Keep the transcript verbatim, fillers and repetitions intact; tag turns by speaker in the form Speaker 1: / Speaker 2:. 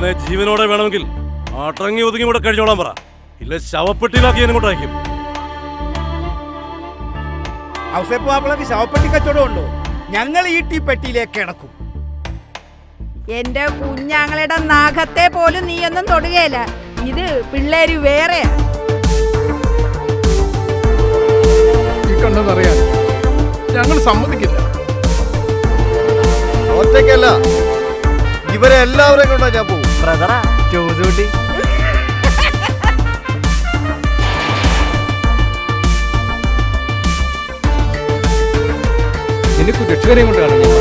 Speaker 1: ഇവനെ ജീവനോടെ വേണമെങ്കിൽ അടങ്ങി ഒതുങ്ങി ഇവിടെ കഴിഞ്ഞോളാൻ പറ, ഇല്ല ശവപ്പെട്ടിയിലാക്കി എന്നെ കൊണ്ടയക്കും.
Speaker 2: ഔസേപ്പാപ്പിളക്ക് ശവപ്പെട്ടി കച്ചവടം ഉണ്ടോ? ഞങ്ങൾ ഈ ടീ പെട്ടിയിലേക്ക് കിടക്കും.
Speaker 3: എന്റെ കുഞ്ഞാങ്ങളുടെ നാഗത്തെ പോലും നീയൊന്നും തൊടുകയില്ല. ഇത് പിള്ളേര് വേറെയാ.
Speaker 4: ഈ കണ്ടെന്നറിയാൻ ഞങ്ങൾ സമ്മതിക്കില്ല.
Speaker 5: ഒറ്റയ്ക്കല്ല, ഇവരെ എല്ലാവരെയും കൊണ്ടാ ഞാൻ പോകും.
Speaker 6: ബ്രദറാ ചോദിച്ചൂട്ടി.
Speaker 4: എനിക്ക് രക്ഷകരെയും കൊണ്ടാണ് ഞാൻ